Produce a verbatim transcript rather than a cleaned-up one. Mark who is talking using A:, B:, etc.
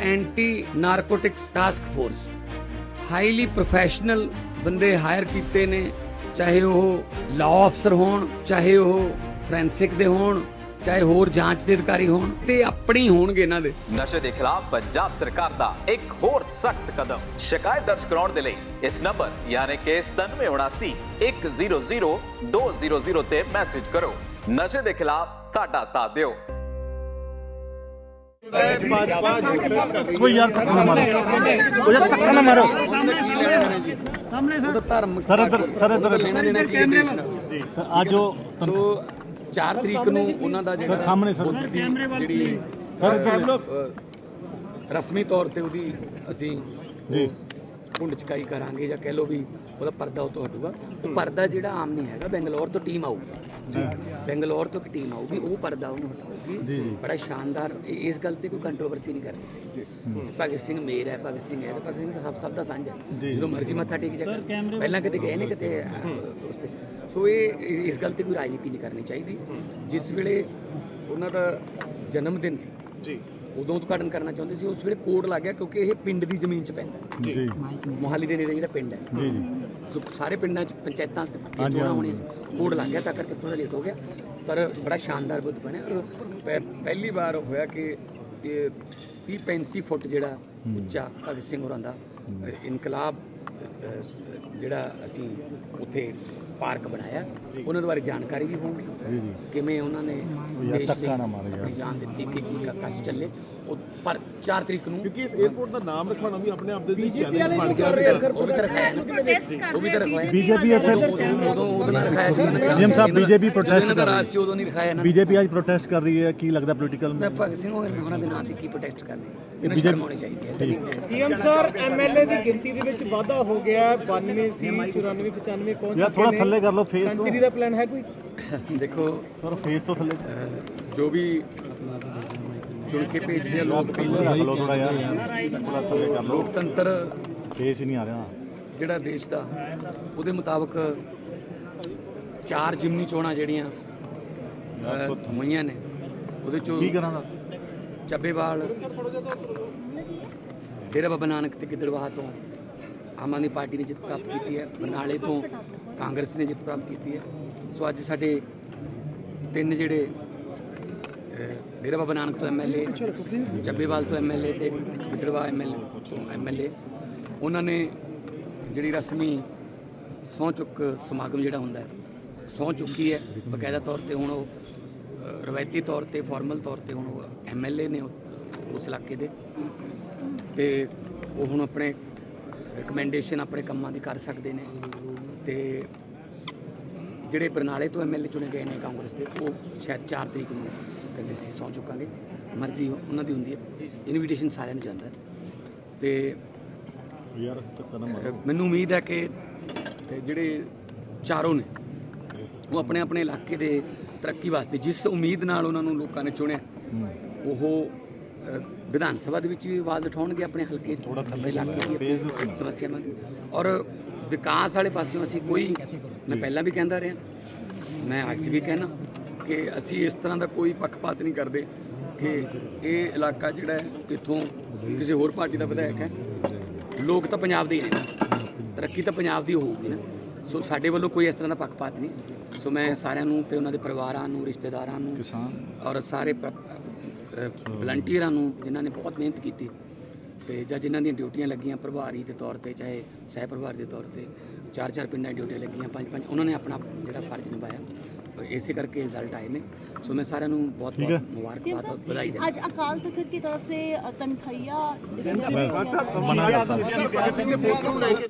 A: Anti narcotics task force highly professional बंदे hire कीते ने, चाहे वह लॉ अफसर होण, चाहे वह फोरेंसिक दे होण, चाहे होर जांच ਦੇ ਅਧਿਕਾਰੀ ਹੋਣ ਤੇ ਆਪਣੀ ਹੋਣਗੇ ਇਹਨਾਂ ਦੇ।
B: ਨਸ਼ੇ ਦੇ ਖਿਲਾਫ ਪੰਜਾਬ ਸਰਕਾਰ ਦਾ ਇੱਕ ਹੋਰ ਸਖਤ ਕਦਮ। ਸ਼ਿਕਾਇਤ ਦਰਜ ਕਰਾਉਣ ਦੇ ਲਈ ਇਸ ਨੰਬਰ ਯਾਨੀ ਕਿ ਸਤਾਨਵੇਂ ਉਨਾਸੀ ਇੱਕ ਜ਼ੀਰੋ ਜ਼ੀਰੋ ਦੋ ਜ਼ੀਰੋ ਜ਼ੀਰੋ ਤੇ ਮੈਸੇਜ ਕਰੋ। ਨਸ਼ੇ ਦੇ ਖਿਲਾਫ ਸਾਡਾ ਸਾਥ ਦਿਓ।
C: कोई यार धक्का ना मारो, कोई यार धक्का ना मारो।
A: ਸਾਹਮਣੇ ਸਰ ਧਰਮ
C: सर इधर सर इधर
A: ਲੈਣਾ ਦੇਣਾ ਕੀ ਹੈ ਦੇਸ਼ ਨਾਲ।
C: जी सर आज जो
A: ਸੋ ਚਾਰ ਤਰੀਕ ਨੂੰ ਉਹਨਾਂ ਦਾ ਜਿਹੜਾ
C: ਸਾਹਮਣੇ ਸਰ
A: ਬੁੱਧ ਦੀ ਜਿਹੜੀ
C: ਸਰ ਇੱਧਰ
A: ਅ, ਰਸਮੀ ਤੌਰ ਤੇ ਉਹਦੀ ਅਸੀਂ
C: ਜੀ
A: ਕੁੰਡ ਚਕਾਈ ਕਰਾਂਗੇ ਜਾਂ ਕਹਿ ਲਓ ਵੀ ਉਹਦਾ ਪਰਦਾ ਉਹ ਤੋਂ ਹਟੂਗਾ। ਉਹ ਪਰਦਾ ਜਿਹੜਾ ਆਮ ਨਹੀਂ ਹੈਗਾ, ਬੈਂਗਲੌਰ ਤੋਂ ਟੀਮ ਆਊਗੀ
C: ਜੀ
A: ਬੈਂਗਲੌਰ ਤੋਂ ਇੱਕ ਟੀਮ ਆਊਗੀ, ਉਹ ਪਰਦਾ ਉਹਨੂੰ ਹਟਾਊਗੀ।
C: ਜੀ ਜੀ
A: ਬੜਾ ਸ਼ਾਨਦਾਰ, ਇਹ- ਇਸ ਗੱਲ ਤੇ ਕੋਈ ਕੰਟਰੋਵਰਸੀ ਨਹੀਂ ਕਰਨੀ। ਭਗਤ ਸਿੰਘ ਮੇਰ ਹੈ, ਭਗਤ ਸਿੰਘ ਹੈ, ਭਗਤ ਸਿੰਘ ਸਭ ਸਭ ਦਾ ਸਾਂਝਾ ਹੈ।
C: ਜੀ।
A: ਜਦੋਂ ਮਰਜ਼ੀ ਮੱਥਾ ਟੇਕ ਜਾ, ਪਹਿਲਾਂ ਕਿਤੇ ਗਏ ਨੇ ਕਿਤੇ ਅਹ, ਉਸ ਤੇ। ਸੋ ਇਹ ਇਸ ਗੱਲ ਤੇ ਕੋਈ ਰਾਜਨੀਤੀ ਨਹੀਂ ਕਰਨੀ ਚਾਹੀਦੀ। ਜਿਸ ਵੇਲੇ ਉਹਨਾਂ ਦਾ ਜਨਮ ਦਿਨ ਸੀ
C: ਜੀ
A: ਉਦੋਂ ਉਦਘਾਟਨ ਕਰਨਾ ਚਾਹੁੰਦੇ ਸੀ, ਉਸ ਵੇਲੇ ਕੋਡ ਲੱਗ ਗਿਆ ਕਿਉਂਕਿ ਇਹ ਪਿੰਡ ਦੀ ਜ਼ਮੀਨ 'ਚ ਪੈਂਦਾ,
C: ਜੀ
A: ਮੋਹਾਲੀ ਦੇ ਨੇੜੇ ਜਿਹੜਾ ਪਿੰਡ ਹੈ।
C: ਜੀ ਜੀ
A: ਜੋ ਸਾਰੇ ਪਿੰਡਾਂ 'ਚ ਪੰਚਾਇਤਾਂ 'ਚ
C: ਹਾਂਜੀ,
A: ਚੋਣਾਂ
C: ਹਾਂਜੀ।
A: ਹੋਣੀਆਂ ਸੀ, ਕੋਡ ਲੱਗ ਗਿਆ ਤਾਂ ਕਰਕੇ ਥੋੜਾ ਲੇਟ ਹੋ ਗਿਆ। ਪਰ ਬੜਾ ਸ਼ਾਨਦਾਰ ਬੁੱਧ ਬਣਿਆ ਔਰ ਪਹਿ- ਪਹਿਲੀ ਵਾਰ ਹੋਇਆ ਕਿ ਇਹ ਤੀਹ ਪੈਂਤੀ ਫੁੱਟ ਜਿਹੜਾ ਉੱਚਾ ਭਗਤ ਸਿੰਘ ਹੋਰਾਂ ਦਾ ਅ, ਇਨਕਲਾਬ ਅ, ਜਿਹੜਾ ਅਸੀਂ ਉੱਥੇ ਪਾਰਕ ਬਣਾਇਆ, ਉਹਨਾਂ ਦੇ ਬਾਰੇ ਜਾਣਕਾਰੀ ਵੀ ਹੋਊਗੀ,
C: ਜੀ ਜੀ
A: ਕਿਵੇਂ ਉਹਨਾਂ ਨੇ
C: ਯਾਰ
A: ਦੇਸ਼ ਲਈ
C: ਧੱਕਾ ਨਾ ਮਾਰੋ ਯਾਰ।
A: ਆਪਣੀ ਜਾਨ ਦਿੱਤੀ, ਕਿ ਕੀ ਕਸ਼ ਚੱਲੇ। ਉਹ ਪਰ ਚਾਰ ਤਰੀਕ ਨੂੰ
D: ਕਿਉਂਕਿ ਇਸ 에어ਪੋਰਟ ਦਾ ਨਾਮ ਰਖਵਾਉਣਾ ਵੀ ਆਪਣੇ ਆਪ ਦੇ ਲਈ ਚੈਲੰਜ ਬਣ ਗਿਆ
A: ਉਹ ਵੀ ਤਾਂ ਰਖਾਇਆ ਨਾ, ਉਹ ਵੀ ਤਾਂ ਰਖਵਾਇਆ।
C: बीजेपी ਇੱਥੇ
A: ਉਦੋਂ ਉਦੋਂ ਉਦੋਂ ਨਾ ਰਖਾਇਆ ਸੀ
C: ਸੀਐਮ ਸਾਹਿਬ ਬੀਜੇਪੀ
A: ਜਦੋਂ
C: ਪ੍ਰੋਟੈਸਟ
A: ਇਹਨਾਂ ਦਾ
C: ਕਰ
A: ਰਾਜ
C: ਰਹੀ
A: ਸੀ ਉਦੋਂ ਨਹੀਂ ਰਖਾਇਆ ਨਾ।
C: ਬੀਜੇਪੀ ਅੱਜ ਪ੍ਰੋਟੈਸਟ ਕਰ ਰਹੀ ਹੈ, ਕੀ ਲੱਗਦਾ ਪੋਲੀਟੀਕਲ
A: ਮੈਂ ਭਗਤ ਸਿੰਘ ਹੋਰਾਂ ਦੇ ਨਾਂ ਤੇ ਕੀ ਪ੍ਰੋਟੈਸਟ ਕਰਨੇ, ਇਹਨਾਂ ਸ਼ਰਮ ਆਉਣੀ ਚਾਹੀਦੀ ਹੈ।
E: ਸੀਐਮ ਸਰ ਐਮਐਲਏ ਦੀ ਗਿਣਤੀ ਦੇ ਵਿੱਚ ਵਾਧਾ ਹੋ ਗਿਆ, ਬਾਨਵੇਂ ਸੀ ਚੁਰਾਨਵੇਂ ਪਚਾਨਵੇਂ ਪਹੁੰਚ
C: ਯਾਰ ਥੋੜਾ ਥੱਲੇ ਕਰ ਲਓ ਫੇਸ ਤੋਂ
E: ਸੈਂਚਰੀ ਦਾ ਪਲਾਨ ਹੈ ਕੋਈ?
A: ਦੇਖੋ
C: ਸਰ ਫੇਸ ਤੋਂ ਥੱਲੇ
A: ਅਹ, ਜੋ ਵੀ ਚੁਣ ਕੇ ਭੇਜਦੇ ਆ ਲੋਕ ਭੇਜਦੇ
C: ਰੱਖ
A: ਆ।
C: ਲਓ ਥੋੜਾ ਯਾਰ ਥੋੜਾ ਥੱਲੇ ਕਰ ਲਓ,
A: ਲੋਕਤੰਤਰ
C: ਫੇਸ ਹੀ ਨਹੀਂ ਆ ਰਿਹਾ।
A: ਜਿਹੜਾ ਦੇਸ਼ ਦਾ, ਉਹਦੇ ਮੁਤਾਬਕ ਚਾਰ ਜਿਮਨੀ ਚੋਣਾਂ ਜਿਹੜੀਆਂ ਅਹ, ਹੋਈਆਂ ਨੇ, ਉਹਦੇ ਚੋਂ
C: ਕੀ ਕਰਾਂ ਦਾ
A: ਚੱਬੇਵਾਲ, ਡੇਰਾ ਬਾਬਾ ਨਾਨਕ ਤੇ ਗਿੱਦੜਬਾਹਾ ਤੋਂ ਆਮ ਆਦਮੀ ਪਾਰਟੀ ਨੇ ਜਿੱਤ ਪ੍ਰਾਪਤ ਕੀਤੀ ਹੈ, ਬਰਨਾਲੇ ਤੋਂ ਕਾਂਗਰਸ ਨੇ ਜਿੱਤ ਪ੍ਰਾਪਤ ਕੀਤੀ ਹੈ। ਸੋ ਅੱਜ ਸਾਡੇ ਤਿੰਨ ਜਿਹੜੇ ਅਹ, ਡੇਰਾ ਬਾਬਾ ਨਾਨਕ ਤੋਂ ਐਮਐਲਏ, ਚੱਬੇਵਾਲ ਤੋਂ ਐਮਐਲਏ ਤੇ ਗਿੱਦੜਬਾਹਾ ਐਮਐਲਏ ਤੋਂ ਐਮਐਲਏ, ਉਹਨਾਂ ਨੇ ਜਿਹੜੀ ਰਸਮੀ ਸਹੁੰ ਚੁੱਕ ਸਮਾਗਮ ਜਿਹੜਾ ਹੁੰਦਾ ਹੈ, ਸਹੁੰ ਚੁੱਕੀ ਹੈ ਬਕਾਇਦਾ ਤੌਰ ਤੇ। ਹੁਣ ਉਹ ਅ, ਰਵਾਇਤੀ ਤੌਰ ਤੇ, ਫਾਰਮਲ ਤੌਰ ਤੇ ਹੁਣ ਉਹ ਐਮਐਲਏ ਨੇ ਉਹ- ਉਸ ਇਲਾਕੇ ਦੇ, ਤੇ ਉਹ ਹੁਣ ਆਪਣੇ ਰਿਕਮੈਂਡੇਸ਼ਨ ਆਪਣੇ ਕੰਮਾਂ ਦੀ ਕਰ ਸਕਦੇ ਨੇ। ਤੇ ਜਿਹੜੇ ਬਰਨਾਲੇ ਤੋਂ ਐਮਐਲਏ ਚੁਣੇ ਗਏ ਨੇ ਕਾਂਗਰਸ ਦੇ, ਉਹ ਸ਼ਾਇਦ ਚਾਰ ਤਰੀਕ ਨੂੰ ਕਹਿੰਦੇ ਸੀ ਸਹੁੰ ਚੁੱਕਾਂਗੇ। ਮਰਜ਼ੀ ਉਹਨਾਂ ਦੀ ਹੁੰਦੀ ਹੈ, ਇਨਵੀਟੇਸ਼ਨ ਸਾਰਿਆਂ ਨੂੰ ਜਾਂਦਾ ਹੈ। ਤੇ
C: ਯਾਰ ਧੱਕਾ ਨਾ ਮਾਰੋ।
A: ਅਹ ਮੈਨੂੰ ਉਮੀਦ ਹੈ ਕਿ ਤੇ ਜਿਹੜੇ ਚਾਰੋਂ ਨੇ ਉਹ ਆਪਣੇ ਆਪਣੇ ਇਲਾਕੇ ਦੇ ਤਰੱਕੀ ਵਾਸਤੇ, ਜਿਸ ਉਮੀਦ ਨਾਲ ਉਹਨਾਂ ਨੂੰ ਲੋਕਾਂ ਨੇ ਚੁਣਿਆ, ਉਹ ਅਹ, ਵਿਧਾਨ ਸਭਾ ਦੇ ਵਿੱਚ ਵੀ ਆਵਾਜ਼ ਉਠਾਉਣਗੇ ਆਪਣੇ ਹਲਕੇ
C: ਥੋੜਾ ਥੱਲੇ
A: ਇਲਾਕੇ
C: ਫੇਸ
A: ਦੀ ਸਮੱਸਿਆਵਾਂ ਦੀ। ਔਰ ਵਿਕਾਸ ਵਾਲੇ ਪਾਸਿਓਂ ਅਸੀਂ ਕੋਈ, ਮੈਂ ਪਹਿਲਾਂ ਵੀ ਕਹਿੰਦਾ ਰਿਹਾ, ਮੈਂ ਅੱਜ ਵੀ ਕਹਿਣਾ ਕਿ ਅਸੀਂ ਇਸ ਤਰ੍ਹਾਂ ਦਾ ਕੋਈ ਪੱਖਪਾਤ ਨਹੀਂ ਕਰਦੇ ਕਿ ਇਹ ਇਲਾਕਾ ਜਿਹੜਾ ਹੈ ਇੱਥੋਂ ਕਿਸੇ ਹੋਰ ਪਾਰਟੀ ਦਾ ਵਿਧਾਇਕ ਹੈ। ਲੋਕ ਤਾਂ ਪੰਜਾਬ ਦੇ ਹੀ ਨੇ, ਤਰੱਕੀ ਤਾਂ ਪੰਜਾਬ ਦੀ ਹੋਊਗੀ ਨਾ। ਸੋ ਸਾਡੇ ਵੱਲੋਂ ਕੋਈ ਇਸ ਤਰ੍ਹਾਂ ਦਾ ਪੱਖਪਾਤ ਨਹੀਂ। ਸੋ ਮੈਂ ਸਾਰਿਆਂ ਨੂੰ ਤੇ ਉਹਨਾਂ ਦੇ ਪਰਿਵਾਰਾਂ ਨੂੰ, ਰਿਸ਼ਤੇਦਾਰਾਂ ਨੂੰ
C: ਕਿਸਾਨ
A: ਔਰ ਸਾਰੇ ਵਲੰਟੀਅਰਾਂ ਨੂੰ ਜਿਨ੍ਹਾਂ ਨੇ ਬਹੁਤ ਮਿਹਨਤ ਕੀਤੀ ਤੇ ਜਾਂ ਜਿਨ੍ਹਾਂ ਦੀਆਂ ਡਿਊਟੀਆਂ ਲੱਗੀਆਂ ਪ੍ਰਭਾਰੀ ਦੇ ਤੌਰ ਤੇ, ਚਾਹੇ ਸਹਿ ਪ੍ਰਭਾਰੀ ਦੇ ਤੌਰ ਤੇ, ਚਾਰ ਚਾਰ ਪਿੰਡਾਂ ਦੀ ਡਿਊਟੀਆਂ ਲੱਗੀਆਂ, ਪੰਜ ਪੰਜ, ਉਹਨਾਂ ਨੇ ਆਪਣਾ ਜਿਹੜਾ ਫਰਜ਼ ਨਿਭਾਇਆ। ਇਸੇ ਕਰਕੇ ਰਿਜ਼ਲਟ ਆਏ ਨੇ। ਸੋ ਮੈਂ ਸਾਰਿਆਂ ਨੂੰ ਬਹੁਤ ਬਹੁਤ ਮੁਬਾਰਕਬਾਦ ਔਰ ਵਧਾਈ ਦਿੰਦਾ।
F: आज अकाल तख्त की तरफ से तनखैया
C: ਮਨਾ ਕਰਤਾ।
D: ਭਗਤ ਸਿੰਘ ਦੇ ਪੁੱਤ ਨੂੰ ਲੈ ਕੇ